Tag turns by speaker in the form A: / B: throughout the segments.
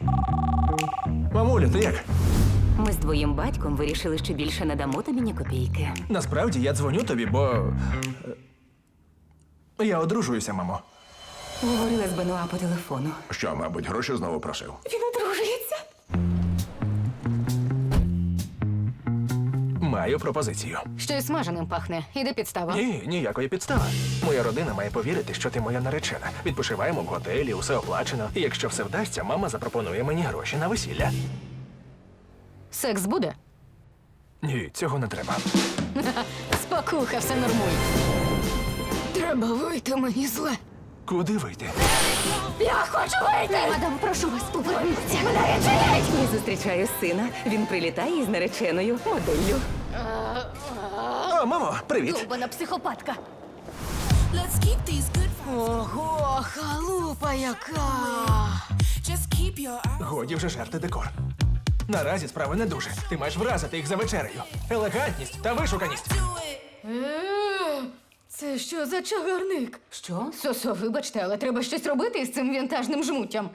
A: Мамуля, ти як?
B: Ми з твоїм батьком вирішили, що більше не дамо тобі ні копійки.
A: Насправді я дзвоню тобі, бо. Я одружуюся, мамо.
B: Говорила з Бенуа по телефону.
C: Що, мабуть, гроші знову просив?
B: Він одружується.
A: Маю пропозицію.
D: Щось смаженим пахне. Іде підстава.
A: Ні, ніякої підстави. Моя родина має повірити, що ти моя наречена. Відпочиваємо в готелі, усе оплачено. І якщо все вдасться, мама запропонує мені гроші на весілля.
D: Секс буде?
A: Ні, цього не треба.
D: Спокуха, все нормуй. Треба вийти, мені зле.
A: Куди вийти?
D: Я хочу вийти! Мадам, прошу вас, поверніться. Мене відчиніть!
B: Я зустрічаю сина. Він прилітає із нареченою моделлю.
A: О, мамо, привіт!
D: Довбана психопатка.
E: Let's keep these good vibes.
D: Ого, халупа яка!
E: Just keep your eyes.
A: Годі вже жерти декор. Наразі справи не дуже. Ти маєш вразити їх за вечерею. Елегантність та вишуканість.
E: Do it.
D: Це що за чагарник?
B: Що?
D: Сосо, вибачте, але треба щось робити із цим вінтажним жмуттям.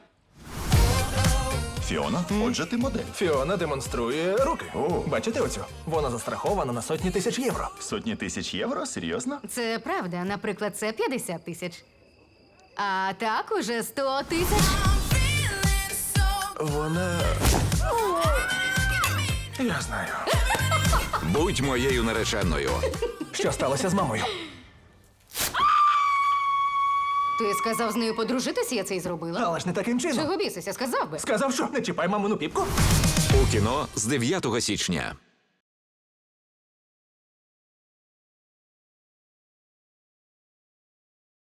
C: Фіона, отже, ти модель.
A: Фіона демонструє руки.
C: О.
A: Бачите оцю? Вона застрахована на сотні тисяч євро.
C: Сотні тисяч євро? Серйозно?
D: Це правда, наприклад, це 50 тисяч. А так уже 100 тисяч.
E: I'm feeling so
A: Вона. Я знаю.
F: Будь моєю нареченою.
A: Що сталося з мамою?
D: Ти сказав з нею подружитися, я це й зробила.
A: Але ж не таким чином.
D: Чого бісися, сказав би.
A: Сказав, що не чіпай мамину піпку.
F: У кіно з 9 січня.